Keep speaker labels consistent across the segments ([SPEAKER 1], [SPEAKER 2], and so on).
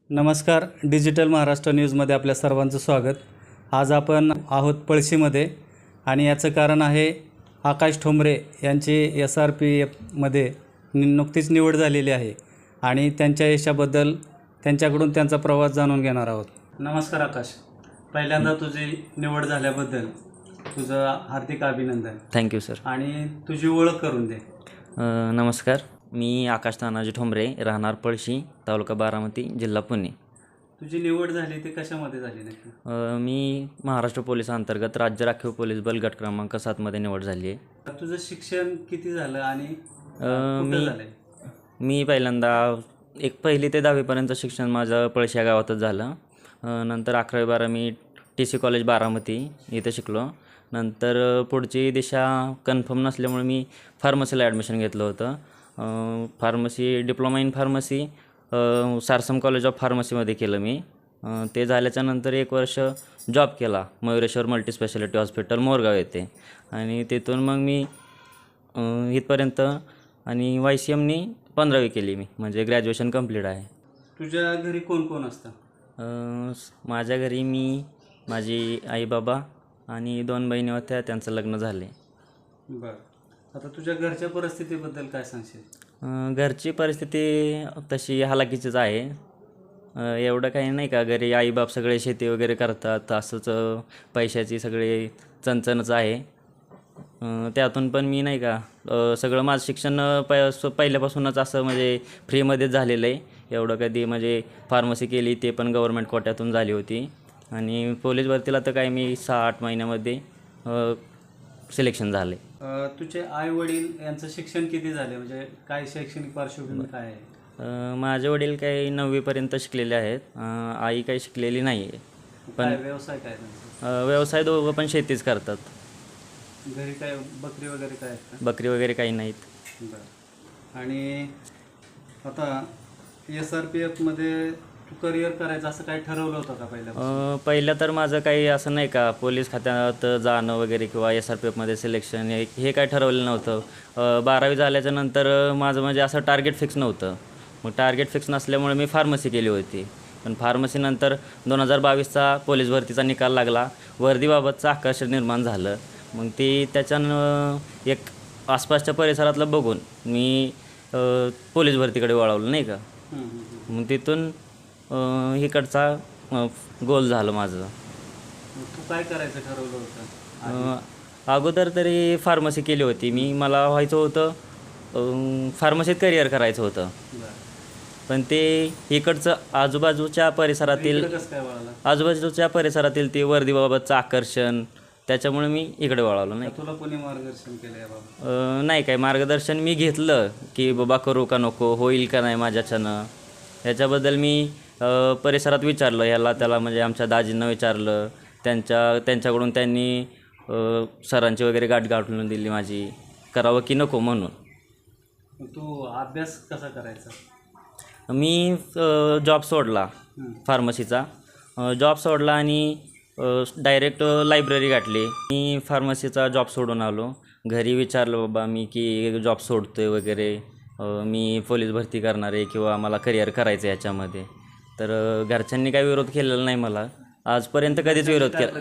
[SPEAKER 1] नमस्कार. डिजिटल महाराष्ट्र न्यूजमध्ये आपल्या सर्वांचं स्वागत. आज आपण आहोत पळशीमध्ये आणि याचं कारण आहे आकाश ठोंबरे यांची SRPFमध्ये नुकतीच निवड झालेली आहे आणि त्यांच्या यशाबद्दल त्यांच्याकडून त्यांचा प्रवास जाणून घेणार आहोत. नमस्कार आकाश. पहिल्यांदा तुझी निवड झाल्याबद्दल तुझं हार्दिक अभिनंदन.
[SPEAKER 2] Thank you sir.
[SPEAKER 1] आणि तुझी ओळख करून दे.
[SPEAKER 2] नमस्कार, मी आकाश तानाजी ठोंबरे, राहणार पळशी, तालुका बारामती, जिल्हा पुणे.
[SPEAKER 1] तुझी निवड झाली ती कशामध्ये झाली नक्की?
[SPEAKER 2] मी महाराष्ट्र पोलिसांतर्गत राज्य राखीव पोलीस बल गट क्रमांक 7मध्ये निवड झाली आहे.
[SPEAKER 1] तुझं शिक्षण किती झालं आणि कुठं झालंय?
[SPEAKER 2] मी पहिल्यांदा 1ली ते 10वीपर्यंत शिक्षण माझं पळशी या गावातच झालं. नंतर 11वी-12वी मी TC कॉलेज बारामती इथे शिकलो. नंतर पुढची दिशा कन्फर्म नसल्यामुळे मी फार्मसीला ॲडमिशन घेतलं होतं. फार्मसी डिप्लोमा इन फार्मसी सारसम कॉलेज ऑफ फार्मसीमध्ये केलं मी. ते झाल्याच्यानंतर 1 वर्ष जॉब केला मयुरेश्वर मल्टीस्पेशालिटी हॉस्पिटल मोरगाव येथे आणि तिथून मग मी इथपर्यंत आणि YCMनी 15वी केली मी, म्हणजे ग्रॅज्युएशन कंप्लीट आहे.
[SPEAKER 1] तुझ्या घरी कोण कोण असतं?
[SPEAKER 2] माझ्या घरी मी, माझी आई बाबा आणि 2 बहिणी होत्या, त्यांचं लग्न झाले.
[SPEAKER 1] बरं. आता तुझ्या घरच्या परिस्थितीबद्दल काय सांगशील?
[SPEAKER 2] घरची परिस्थिती तशी हालाकीचीच आहे. एवढं काही नाही का, घरी आईबाप सगळे शेती वगैरे करतात, असंच पैशाची सगळे चणचणच आहे. त्यातून पण मी नाही का सगळं माझं शिक्षण पहिल्यापासूनच असं म्हणजे फ्रीमध्येच झालेलं आहे. एवढं कधी म्हणजे फार्मसी केली ते पण गव्हर्मेंट कोट्यातून झाली होती आणि पोलीस भरतीला तर काय मी 6-8 महिन्यामध्ये सिलेक्शन झाले.
[SPEAKER 1] तुझे आई वडील यांचं शिक्षण किती झाले, म्हणजे काय शैक्षणिक पार्श्वभूमी काय आहे?
[SPEAKER 2] माझे वडील काही 9वीपर्यंत शिकलेले आहेत. आई काही शिकलेली नाही आहे.
[SPEAKER 1] पण व्यवसाय काय त्यांचा?
[SPEAKER 2] व्यवसाय दोघं पण शेतीच करतात.
[SPEAKER 1] घरी काय बकरी वगैरे काय आहेत?
[SPEAKER 2] बकरी वगैरे काही नाहीत.
[SPEAKER 1] बरं. आणि आता SRPFमध्ये तू करिअर करायचं असं काही ठरवलं होतं का
[SPEAKER 2] पहिलं तर माझं काही असं नाही का पोलीस खात्यात जाणं वगैरे किंवा SRPFमध्ये सिलेक्शन हे काय ठरवलं नव्हतं. 12वी झाल्याच्या नंतर माझं म्हणजे असं टार्गेट फिक्स नव्हतं. मग टार्गेट फिक्स नसल्यामुळे मी फार्मसी केली होती. पण फार्मसीनंतर 2022चा पोलीस भरतीचा निकाल लागला. वर्दीबाबतचं आकर्षण निर्माण झालं. मग ती त्याच्यानं एक आसपासच्या परिसरातलं बघून मी पोलीस भरतीकडे वळवलं नाही का. मग तिथून इकडचा गोल झालं माझं.
[SPEAKER 1] तू काय करायचं ठरवलं होतं?
[SPEAKER 2] अगोदर तरी फार्मसी केली होती मी. मला व्हायचं होतं फार्मसीत करिअर करायचं होतं. पण ते इकडचं आजूबाजूच्या परिसरातील ते वर्दीबाबतचं आकर्षण, त्याच्यामुळे मी इकडे वळवलो. नाही,
[SPEAKER 1] तुला कोणी मार्गदर्शन केलं याबाबत?
[SPEAKER 2] नाही, काही मार्गदर्शन मी घेतलं की बाबा करू का नको, होईल का नाही माझ्याच्यानं, याच्याबद्दल मी परिसरात विचारलं, ह्याला त्याला, म्हणजे आमच्या दाजींना विचारलं. त्यांच्याकडून त्यांनी सरांची वगैरे गाठ गाठून दिली माझी, करावं की नको म्हणून.
[SPEAKER 1] तू अभ्यास कसा करायचा?
[SPEAKER 2] मी जॉब सोडला फार्मसीचा. जॉब सोडला आणि डायरेक्ट लायब्ररी गाठली. मी फार्मसीचा जॉब सोडून आलो. घरी विचारलं बाबा मी की जॉब सोडतो आहे वगैरे, मी पोलीस भरती करणार आहे किंवा मला करिअर करायचं आहे याच्यामध्ये. तर घरच्यांनी काही विरोध केलेला नाही मला. आजपर्यंत कधीच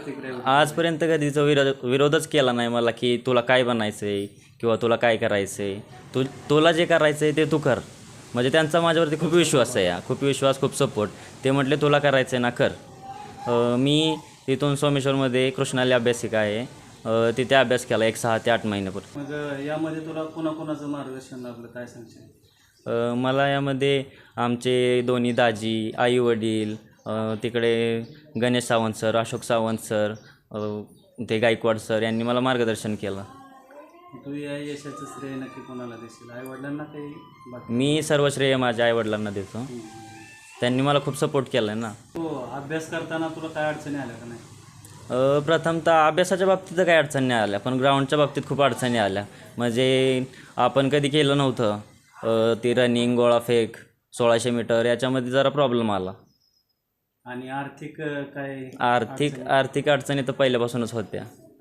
[SPEAKER 2] विरोधच केला नाही मला की तुला काय बनायचं आहे किंवा तुला काय करायचं आहे, तुला जे करायचं आहे ते तू कर. म्हणजे त्यांचा माझ्यावरती खूप विश्वास आहे, खूप सपोर्ट. ते म्हटले तुला करायचं आहे ना, कर. मी इथून सोमेश्वरमध्ये कृष्णाली अभ्यासिका आहे, तिथे अभ्यास केला 6 ते 8 महिन्यापूर्वी.
[SPEAKER 1] मग यामध्ये तुला कोणाकोणाचं मार्गदर्शन लाभलं, काय सांगशील?
[SPEAKER 2] मला यामध्ये आमचे दोन्ही दाजी, आई वडील, तिकडे गणेश सावंत सर, अशोक सावंत सर, ते गायकवाड सर यांनी मला मार्गदर्शन केलं.
[SPEAKER 1] तू या यशाचं श्रेय नक्की कोणाला देशील? आई वडिलांना काही?
[SPEAKER 2] मी सर्व श्रेय माझ्या आई वडिलांना देतो. त्यांनी मला खूप सपोर्ट केला आहे ना.
[SPEAKER 1] हो. अभ्यास करताना तुला काय अडचणी आल्या का नाही?
[SPEAKER 2] प्रथमतः अभ्यासाच्या बाबतीत काही अडचणी नाही आल्या, पण ग्राउंडच्या बाबतीत खूप अडचणी आल्या. म्हणजे आपण कधी केलं नव्हतं ती रनिंग, गोळाफेक, 1600 मीटर, याच्यामध्ये जरा प्रॉब्लेम आला.
[SPEAKER 1] आणि आर्थिक काय?
[SPEAKER 2] आर्थिक अडचणी तर पहिल्यापासूनच होत्या.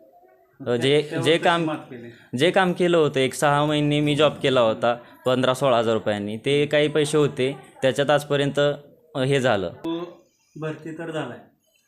[SPEAKER 2] जे काम केलं होतं 6 महिने मी जॉब केला होता 15-16 हजार रुपयांनी, ते काही पैसे होते त्याच्यात आजपर्यंत हे झालं.
[SPEAKER 1] भरती तर झालाय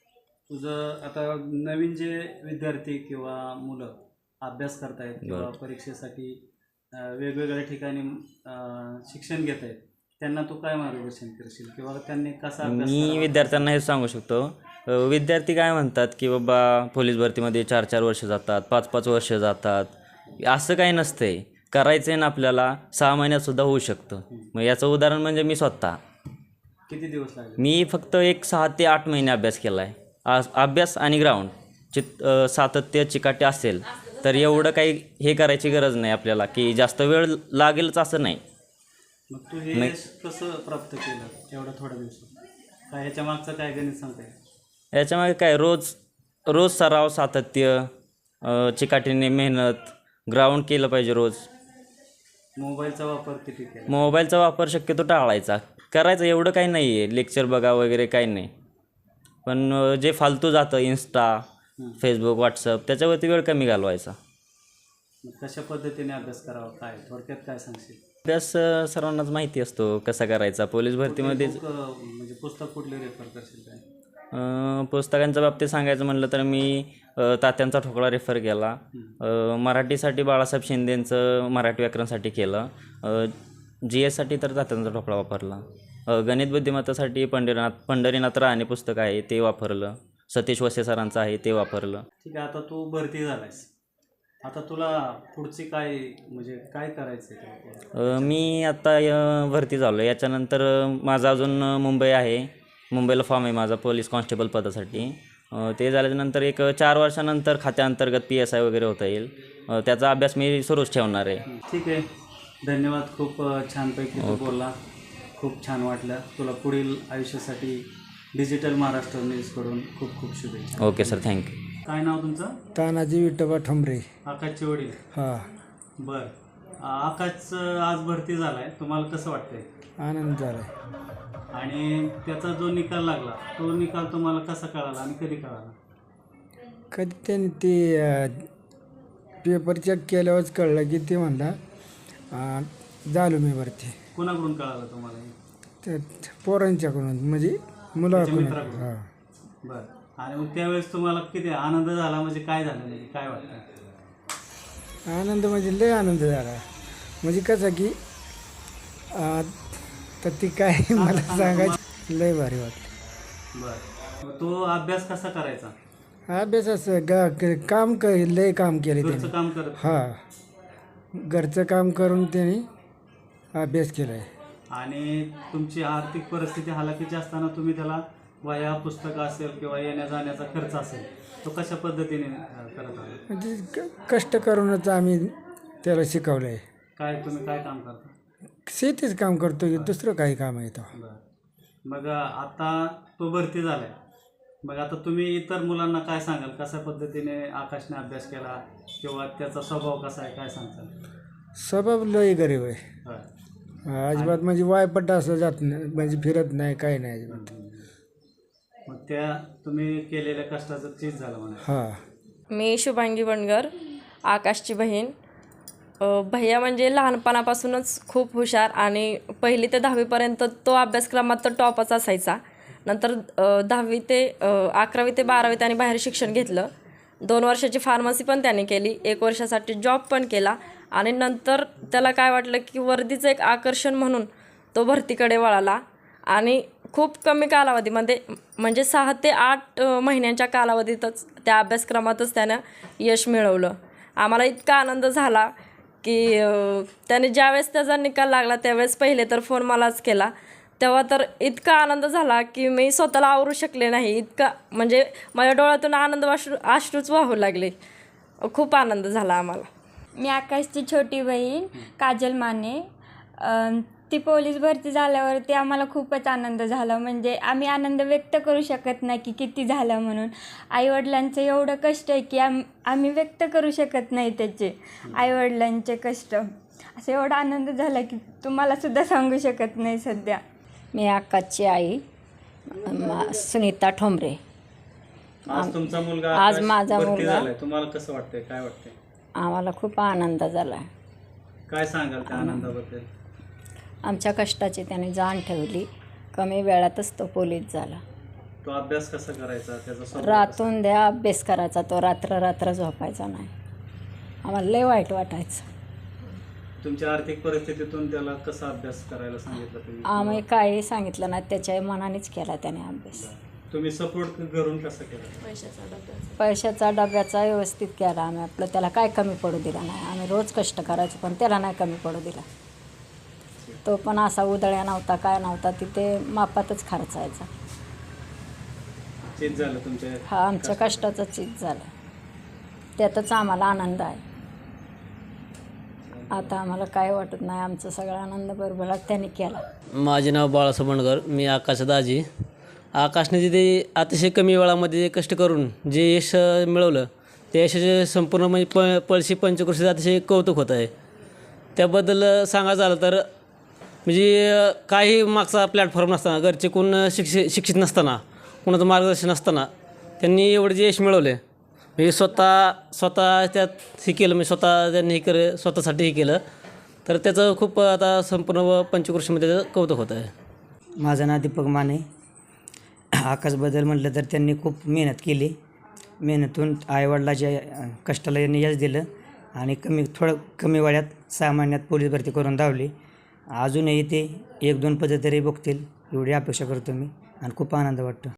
[SPEAKER 1] तुझं. आता नवीन जे विद्यार्थी किंवा मुलं अभ्यास करतायत किंवा परीक्षेसाठी वेगवेगळ्या ठिकाणी शिक्षण घेत आहेत, त्यांना तू काय मार्गदर्शन करशील किंवा त्यांनी कसा अभ्यास
[SPEAKER 2] मी
[SPEAKER 1] करावा?
[SPEAKER 2] विद्यार्थ्यांना हे सांगू शकतो, विद्यार्थी काय म्हणतात की बाबा पोलीस भरतीमध्ये 4-4 वर्ष जातात, 5-5 वर्ष जातात. असं काही नसतंय. करायचं आहे ना आपल्याला 6 महिन्यातसुद्धा होऊ शकतं. मग याचं उदाहरण म्हणजे मी स्वतः.
[SPEAKER 1] किती दिवस लागले?
[SPEAKER 2] मी फक्त एक 6 ते 8 महिने अभ्यास केला आहे. अभ्यास आणि ग्राउंड सातत्य चिकाटी असेल तर एवढं काही हे करायची गरज नाही आपल्याला की जास्त वेळ लागेलच असं नाही.
[SPEAKER 1] मग तू हे कसं प्राप्त केलं एवढ्या थोड्या दिवसात? काय ह्याच्या मागचं काय गणित सांगता येईल?
[SPEAKER 2] याच्यामागे काय रोज सराव, सातत्य, चिकाटीने मेहनत, ग्राउंड केलं पाहिजे रोज.
[SPEAKER 1] मोबाईलचा वापर किती केला?
[SPEAKER 2] मोबाईलचा वापर शक्यतो टाळायचा. करायचं एवढं काही नाही आहे, लेक्चर बघा वगैरे काही नाही. पण जे फालतू जातं इंस्टा, फेसबुक, व्हॉट्सअप त्याच्यावरती वेळ कमी घालवायचा.
[SPEAKER 1] मग कशा पद्धतीने अभ्यास करावा, काय थोडक्यात काय सांगशील?
[SPEAKER 2] अभ्यास सर्वांनाच माहिती असतो कसा करायचा. पोलीस भरतीमध्येच
[SPEAKER 1] म्हणजे पुस्तक कुठले रेफर करशील काय?
[SPEAKER 2] पुस्तकांच्या बाबतीत सांगायचं म्हणलं तर मी तात्यांचा ठोकळा रेफर केला. मराठीसाठी बाळासाहेब शिंदेंचं मराठी व्याकरणसाठी केलं. GSसाठी तर तात्यांचा ठोकळा वापरला. गणित बुद्धिमत्तासाठी पंढरीनाथ राणे पुस्तक आहे ते वापरलं. सतीश वसे सरांचं आहे ते वापरलं.
[SPEAKER 1] ठीक आहे, आता तू भरती झालायस, आता तुला पुढची काय म्हणजे काय करायचं आहे?
[SPEAKER 2] मी आता भरती झालो. याच्यानंतर माझा अजून मुंबई आहे, मुंबईला फॉर्म आहे माझा पोलीस कॉन्स्टेबल पदासाठी. ते झाल्याच्यानंतर एक 4 वर्षानंतर खात्याअंतर्गत PSI वगैरे होता येईल. त्याचा अभ्यास मी सुरूच ठेवणार आहे.
[SPEAKER 1] ठीक आहे, धन्यवाद. खूप छानपैकी तू बोलला, खूप छान वाटलं. तुला पुढील आयुष्यासाठी डिजिटल महाराष्ट्र न्यूजकडून खूप खूप शुभेच्छा.
[SPEAKER 2] Okay sir, thank you.
[SPEAKER 1] काय नाव तुमचं?
[SPEAKER 3] तानाजी विठोबा ठोंबरे.
[SPEAKER 1] आकाशचे वडील?
[SPEAKER 3] हां.
[SPEAKER 1] बरं, आकाशचं आज भरती झालाय, तुम्हाला कसं वाटतंय?
[SPEAKER 3] आनंद झाला.
[SPEAKER 1] आणि त्याचा जो निकाल लागला तो निकाल तुम्हाला कसा कळाला आणि कधी कळाला?
[SPEAKER 3] कधी त्यांनी ते पेपर चेक केल्यावरच कळलं की ते म्हणला झालो मी भरती.
[SPEAKER 1] कोणाकडून कळालं तुम्हाला?
[SPEAKER 3] ते पोरांच्याकडून म्हणजे मुलाकडून.
[SPEAKER 1] मित्राकडून?
[SPEAKER 3] हां.
[SPEAKER 1] बरं, आणि मग त्यावेळेस तुम्हाला किती आनंद झाला, म्हणजे काय झालं, म्हणजे काय वाटतं?
[SPEAKER 3] आनंद म्हणजे लय आनंद झाला. म्हणजे कसं की तर ती काय मला सांगायचं लय भारी वाटलं.
[SPEAKER 1] बरं, मग तो अभ्यास कसा करायचा?
[SPEAKER 3] अभ्यास असं काम लय काम केले
[SPEAKER 1] घरचं
[SPEAKER 3] त्याने.
[SPEAKER 1] काम करत?
[SPEAKER 3] हां, घरचं काम करून त्यांनी अभ्यास केला आहे.
[SPEAKER 1] आणि तुमची आर्थिक परिस्थिती हालाकीची असताना तुम्ही त्याला वह्या, पुस्तकं असेल किंवा येण्या जाण्याचा खर्च असेल तो कशा पद्धतीने करत आला?
[SPEAKER 3] म्हणजे कष्ट करूनच आम्ही त्याला शिकवलं आहे.
[SPEAKER 1] काय तुम्ही काय काम करता?
[SPEAKER 3] शेतीच काम करतो की दुसरं काही काम आहे तो.
[SPEAKER 1] बरं, मग आता तो भरती झालाय, मग आता तुम्ही इतर मुलांना काय सांगाल, कशा पद्धतीने आकाशने अभ्यास केला किंवा त्याचा स्वभाव कसा आहे, काय सांगताल?
[SPEAKER 3] स्वभाव लय गरीब आहे.
[SPEAKER 1] होय.
[SPEAKER 3] अजिबात म्हणजे वायपट असं जात नाही, म्हणजे फिरत नाही, काही नाही अजिबात.
[SPEAKER 1] मग त्या तुम्ही केलेल्या कष्टाचं चीज झालं म्हणा.
[SPEAKER 3] हां.
[SPEAKER 4] मी शुभांगी वणगर, आकाशची बहीण. भैया म्हणजे लहानपणापासूनच खूप हुशार आणि 1ली ते 10वीपर्यंत तो अभ्यासक्रमात तर टॉपच असायचा. नंतर 10वी ते 11वी ते 12वी त्याने बाहेर शिक्षण घेतलं. 2 वर्षाची फार्मसी पण त्याने केली, 1 वर्षासाठी जॉब पण केला. आणि नंतर त्याला काय वाटलं की वर्दीचं एक आकर्षण म्हणून तो भरतीकडे वळाला आणि खूप कमी कालावधीमध्ये म्हणजे 6 ते 8 महिन्यांच्या कालावधीतच त्या अभ्यासक्रमातच त्यानं यश मिळवलं. आम्हाला इतका आनंद झाला की त्याने ज्यावेळेस त्याचा निकाल लागला त्यावेळेस पहिले तर फोन मलाच केला. तेव्हा तर इतका आनंद झाला की मी स्वतःला आवरू शकले नाही. इतका म्हणजे माझ्या डोळ्यातून अश्रूच वाहू लागले. खूप आनंद झाला आम्हाला.
[SPEAKER 5] मी आकाशची छोटी बहीण काजल माने. ती पोलीस भरती झाल्यावरती आम्हाला खूपच आनंद झाला. म्हणजे आम्ही आनंद व्यक्त करू शकत नाही की किती झाला म्हणून. आईवडिलांचं एवढं कष्ट आहे की आम्ही व्यक्त करू शकत नाही त्याचे आईवडिलांचे कष्ट. असं एवढा आनंद झाला की तुम्हालासुद्धा सांगू शकत नाही सध्या.
[SPEAKER 6] मी आकाशची आई सुनीता ठोंबरे.
[SPEAKER 1] आज तुमचा मुलगा
[SPEAKER 6] आज
[SPEAKER 1] आकाश
[SPEAKER 6] माझा
[SPEAKER 1] भरती
[SPEAKER 6] मुलगा-
[SPEAKER 1] झालाय, तुम्हाला कसं वाटतंय, काय वाटतंय?
[SPEAKER 6] आम्हाला खूप आनंद झाला.
[SPEAKER 1] काय सांगाल त्या आनंदाबद्दल?
[SPEAKER 6] आमच्या कष्टाची त्याने जाण ठेवली. कमी वेळातच तो पोलीस झाला.
[SPEAKER 1] तो अभ्यास कसा करायचा, त्याचा स्वभाव
[SPEAKER 6] रातून द्या अभ्यास करायचा, तो रात्र रात्र झोपायचा नाही. आम्हाला लय वाईट वाटायचं.
[SPEAKER 1] कसा? तुमच्या आर्थिक परिस्थितीतून त्याला कसा अभ्यास करायला सांगितलं तुम्ही?
[SPEAKER 6] आम्ही काही सांगितलं नाही, त्याच्या मनानेच केला त्याने अभ्यास.
[SPEAKER 1] तुम्ही सपोर्ट घरून कसं केलं?
[SPEAKER 6] पैशाचा डब्याचा व्यवस्थित केला आम्ही. आपलं त्याला काय कमी पडू दिला नाही. आम्ही रोज कष्ट करायचो पण त्याला नाही कमी पडू दिला. तो पण असा उधळ्या नव्हता, काय नव्हता, तिथे मापातच खर्चायचा.
[SPEAKER 1] चीज झालं तुमच्या?
[SPEAKER 6] हा आमच्या कष्टाचं चीज झालं, त्यातच आम्हाला आनंद आहे. आता आम्हाला काय वाटत नाही, आमचा सगळा आनंद बरोबर त्यांनी केला.
[SPEAKER 7] माझे नाव बाळासाहेब बंडगर, मी आकाश दाजी. आकाशने तिथे अतिशय कमी वेळामध्ये कष्ट करून जे यश मिळवलं, त्या यशाचे संपूर्ण म्हणजे पळशी पंचक्रोशीचं अतिशय कौतुक होत आहे. त्याबद्दल सांगायचं झालं तर म्हणजे काही मागचा प्लॅटफॉर्म नसताना, घरचे कोण शिक्षित नसताना, कोणाचं मार्गदर्शन नसताना त्यांनी एवढे जे यश मिळवले, म्हणजे स्वतः त्यात हे केलं, म्हणजे स्वतः त्यांनी हे केलं, स्वतःसाठी हे केलं, तर त्याचं खूप आता संपूर्ण पंचक्रोशीमध्ये त्याचं कौतुक होत आहे.
[SPEAKER 8] माझं नाव दीपक माने. आकाशबद्दल म्हटलं तर त्यांनी खूप मेहनत केली. मेहनतून आईवडिलाच्या कष्टाला यांनी यश दिलं आणि थोडं कमी वयात 6 महिन्यात पोलीस भरती करून धावली. अजूनही ते 1-2 पदं तरी बघतील एवढी अपेक्षा करतो मी आणि खूप आनंद वाटतो.